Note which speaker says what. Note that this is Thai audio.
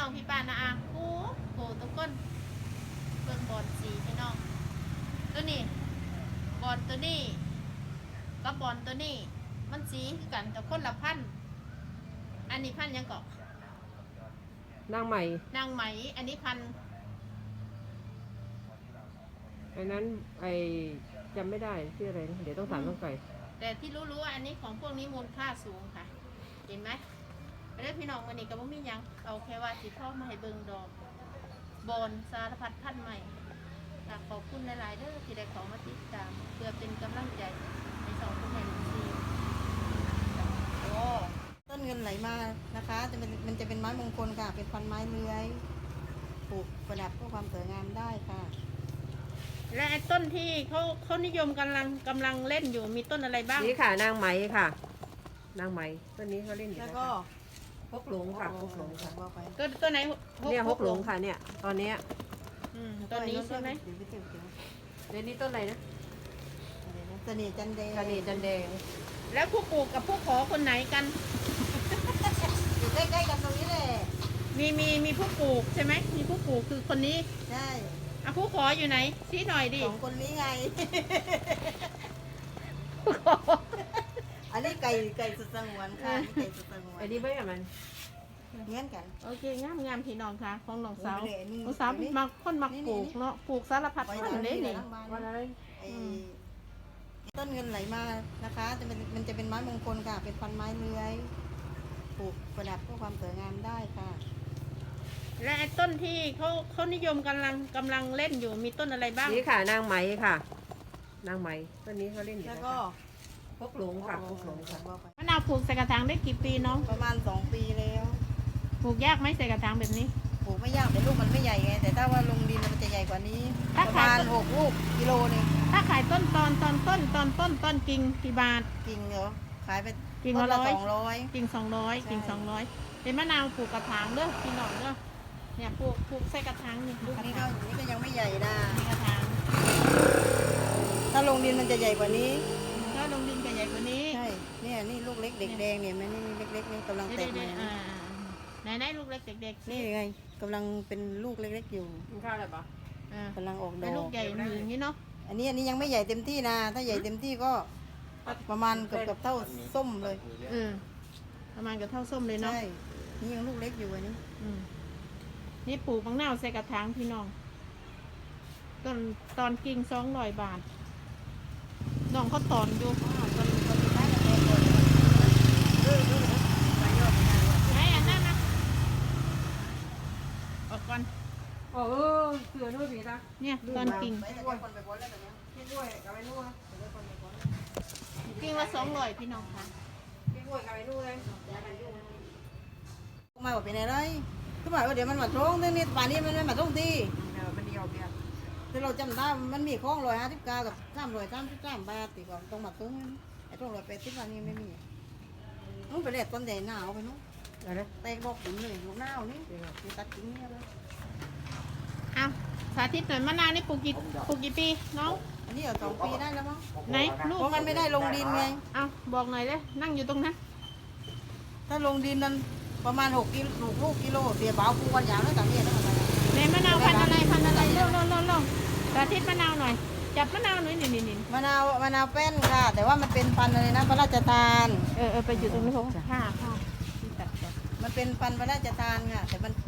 Speaker 1: น้องพี่ป้านะอาโอ้โหทุกคนเบิ่งบอลสีพี่น้องตัวนี้บอลตัวนี้กับบอลตัวนี้มันสีคือกันแต่คนละพันอันนี้พันยังเกาะ
Speaker 2: นางใหม่
Speaker 1: นางไหมอันนี้พัน
Speaker 2: อันนั้นจำไม่ได้ชื่ออะไรนะเดี๋ยวต้องถามต้องไก่
Speaker 1: แต่ที่รู้ว่าอันนี้ของพวกนี้มูลค่าสูงค่ะ เห็นไหมไปเด้อพี่น้องวันนี้ก็บ่มีหยังเอาแค่ว่าสิพ่อมาให้เบิ่งดอกบอนสารพัดพันธุ์ใหม่ขอบคุณหลายๆเด้อที่ได้ของมาติดตามเพื่อเป็นกำลังใจในสองคนแห่งที
Speaker 3: โอ้ต้นเงินไหลมานะคะมันจะเป็นไม้มงคลค่ะ เป็นพันไม้เลื้อยปลูกประดับเพื่อความสวยงามได้ค่ะ
Speaker 1: และไอ้ต้นที่เขานิยมกำลังเล่นอยู่มีต้นอะไรบ้าง
Speaker 2: นี่ค่ะนางไหมค่ะ นางไหมต้นนี้เขาเล่นอยู่
Speaker 3: แล้ว
Speaker 2: นะ
Speaker 3: ก็
Speaker 2: คะฮกหลงค่ะฮกหลงค่ะ
Speaker 3: ว่าไป
Speaker 1: ตัวไหน
Speaker 2: เนี่ยฮกหลงค่ะเนี่ยตอนเนี้ย
Speaker 1: ต้นนี้ใช่ไหม
Speaker 3: เดี๋ยวไปเที่ยวเที่ยว
Speaker 2: เดี๋ยวนี้ต้นอะไรนะ
Speaker 3: อะไรนะเสน่ห์จันเดย์
Speaker 2: กระเนจันแดง
Speaker 1: แล้วผู้ปลูกกับผู้ขอคนไหนกัน
Speaker 3: อยู่ใกล้ๆกันตรงนี้เลย
Speaker 1: มีผู้ปลูกใช่ไหมมีผู้ปลูกคือคนนี้
Speaker 3: ใช่
Speaker 1: อ่ะผู้ขออยู่ไหนชี้หน่อยดิ
Speaker 3: สองคนนี้ไง อันนี้ไก่สุดสงวนค่ะนี่ไก่สุดสงวน
Speaker 2: ไอ้นี่ไม่กับมัน
Speaker 3: เงี้ยกัน
Speaker 1: โอเคงามพี่น้องค่ะของน้องสาว
Speaker 3: โอ้ยนี่
Speaker 1: น้องสาว
Speaker 3: นี่
Speaker 1: มาคนมักปลูก
Speaker 3: นี่
Speaker 1: เนาะปลูกสารพัด
Speaker 3: ไว้
Speaker 1: พัน
Speaker 3: ทาง
Speaker 1: ธุ์เลย
Speaker 3: นี้เลย
Speaker 1: นี่
Speaker 3: ทั้งบ้าน
Speaker 2: วันอะไร
Speaker 3: ไอ้ต้นเงินไหลมานะคะมันจะเป็นไม้มงคลค่ะ เป็นพันไม้เลื้อยปลูกประดับเพื่อความสวยงามได้ค่ะ
Speaker 1: และไอ้ต้นที่เขานิยมกำลังเล่นอยู่มีต้นอะไรบ้าง
Speaker 2: นี่ค่ะนางไหมค่ะ นางไหมต้นนี้เขาเล่นอยู่
Speaker 3: แล้ว
Speaker 2: นะ
Speaker 3: ก็
Speaker 2: คะฮกหลงค่ะฮกหลงค่ะ
Speaker 3: ว่าไป
Speaker 1: มะนาวปลูกใส่กระถางได้กี่ปีน้อง
Speaker 3: ประมาณ2 ปีแล้ว
Speaker 1: ปลูกยากไหมใส่กระถางแบบนี้
Speaker 3: ปลูกไม่ยากแต่ลูกมันไม่ใหญ่ไงแต่ถ้าว่าลงดินมันจะใหญ่กว่านี้
Speaker 1: ถ้า
Speaker 3: ประ
Speaker 1: ขาย
Speaker 3: มาณ6 ลูกกิโลนึง
Speaker 1: ถ้าขายต้นต้นกิ่งกี่บาท
Speaker 3: กิ่งเหรอขายไป
Speaker 1: กิ่ง
Speaker 3: ต้
Speaker 1: ละ
Speaker 3: น
Speaker 1: ร้อย
Speaker 3: 200
Speaker 1: กิ่ง200กิ่ง
Speaker 3: ใช่
Speaker 1: 200เป็นมะนาวปลูกกระถางเด้อพี่น้องเด้อเนี่ยปลูกใส่กระถางนี่
Speaker 3: ลูก
Speaker 1: กระ
Speaker 3: นี้
Speaker 1: ถาง
Speaker 3: ก็ยังไม่ใหญ่นะ
Speaker 1: นี่กระถาง
Speaker 3: ถ้าลงดินมันจะใหญ่กว่านี้
Speaker 1: ถ้าลงดินก็ใหญ่กว่านี้
Speaker 3: ใช่เนี่ยนี่ลูกเล็กเด็กแดงเนี่ยมันนี่เล็กๆนี่กำลังแตกใหม่
Speaker 1: ไหนลูกเล็กเด็กๆ
Speaker 3: นี่ไงกำลังเป็นลูกเล็กๆอยู่
Speaker 2: กินข้าวอะไรปะ
Speaker 3: กำลังออกด
Speaker 1: เป็
Speaker 3: อน
Speaker 1: ลูก
Speaker 3: ก
Speaker 1: ใหญ่อย่างนี้เนาะ
Speaker 3: อันนี้ยังไม่ใหญ่เต็มที่นะ ถ้าใหญ่เต็มที่ก็ประมาณเกือบเท่าส้มเลย
Speaker 1: ประมาณกับเท่าส้มเลยเนาะ
Speaker 3: ใช่ นี่ยังลูกเล็กอยู่อันนี้
Speaker 1: นี่ปลูกมะนาวใส่กระถางพี่น้องตอนกิ่ง200 บาทน้องเขาตอนอยู่ไหนอันนั้นนะออกก่อน
Speaker 2: เออเสือนู่นผีตา
Speaker 1: เนี่ยตอนกิ่ง
Speaker 3: ไปแต่ว่าคนไปพ้นแล้วแบบนี้
Speaker 2: พี่กล้วยกับไอ้นู่น
Speaker 1: กิ่งละ200พี่น้องค่ะ
Speaker 2: พี่กล้วยกับไอ้นู่นเลย
Speaker 3: มาบอกเป็นอะไรทุกหมายว่าเดี๋ยวมันมาตรงนี่ป่านนี้มันไม่มาตรงที่
Speaker 2: มันเดียวเบียร์
Speaker 3: แต่เราจำได้มันมีของ159กับ333 บาทตีก่อนตรงมาตรงไอ้ตรง180วันนี้ไม่มีนู้นไปเด็ดต้นใหญ่หนาวไปนู้น
Speaker 2: อะไรนะ
Speaker 3: แตกบอกขุนเลยลูกหนาวนี่มีตัดกิ่งเนี่ยเลย
Speaker 1: เอาสาธิตหน่อยมะนาวนี่ปลูกกี่ปีน้อง
Speaker 3: อันนี้เอา2 ปีได้แล้วมั้ง
Speaker 1: ไหนลูก
Speaker 3: เพราะมันไม่ได้ลงดินไง
Speaker 1: เอาบอกหน่อยเลยนั่งอยู่ตรงนั้น
Speaker 3: ถ้าลงดินนั้นประมาณ6 กิโลลูกกิโลเสียเบาปูวันยาวแล้วต่างเนี่ยแล้วอะไร
Speaker 1: ในมะนาวพันธุ์อะไรเร็วสาธิตมะนาวหน่อยจับมะนาวหน่อยนี่
Speaker 3: มะนาวแป้นค่ะ แต่ว่ามันเป็นพันธุ์อะไรนะพระราชทาน
Speaker 1: ไปอยู่ตรงนี้ผมค่ะที่ตัดก่อน
Speaker 3: มันเป็นพันธุ์พระราชทานค่ะ แต่มัน